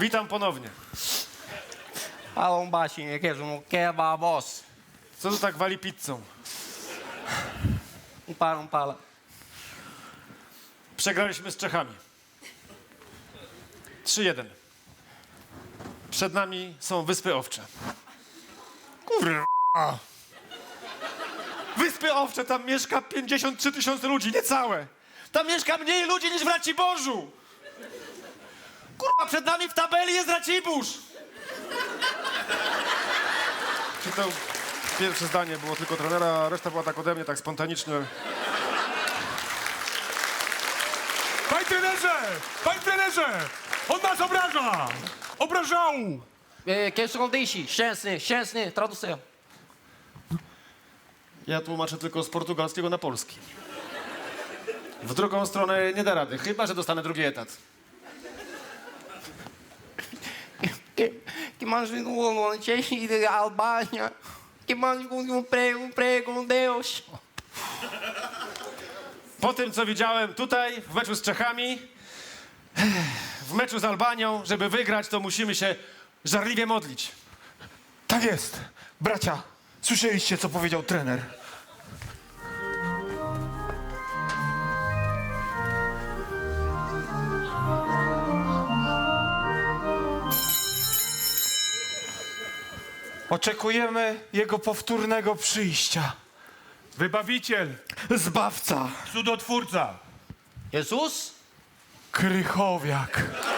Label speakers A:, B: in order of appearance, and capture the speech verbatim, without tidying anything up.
A: Witam ponownie.
B: Hallå Bashi, jag är som kebabos.
A: Co tu tak wali pizzą?
B: Umpala, umpala.
A: Przegraliśmy z Czechami. trzy jeden. Przed nami są Wyspy Owcze. Kurwa. Wyspy Owcze, tam mieszka pięćdziesiąt trzy tysiące ludzi, niecałe. Tam mieszka mniej ludzi niż w Raciborzu. Kurwa, przed nami w tabeli jest Racibórz. Czy to pierwsze zdanie było tylko trenera, a reszta była tak ode mnie, tak spontanicznie.
C: Panie trenerze! Panie trenerze! On nas obraża! Obrażał!
B: Eh, Quem som dishi? Chęsny, chęsny, traducę.
A: Ja tłumaczę tylko z portugalskiego na polski. W drugą stronę nie da rady, chyba że dostanę drugi etat.
B: Que, que mais um ano cheio de Albânia. Que mais um prego, um prego, um Deus.
A: Po tym, co widziałem tutaj, w meczu z Czechami, w meczu z Albanią, żeby wygrać, to musimy się żarliwie modlić.
C: Tak jest. Bracia, słyszeliście, co powiedział trener? Oczekujemy jego powtórnego przyjścia. Wybawiciel,
D: Zbawca.
C: cudotwórca,
B: Jesus?
C: Krychowiak.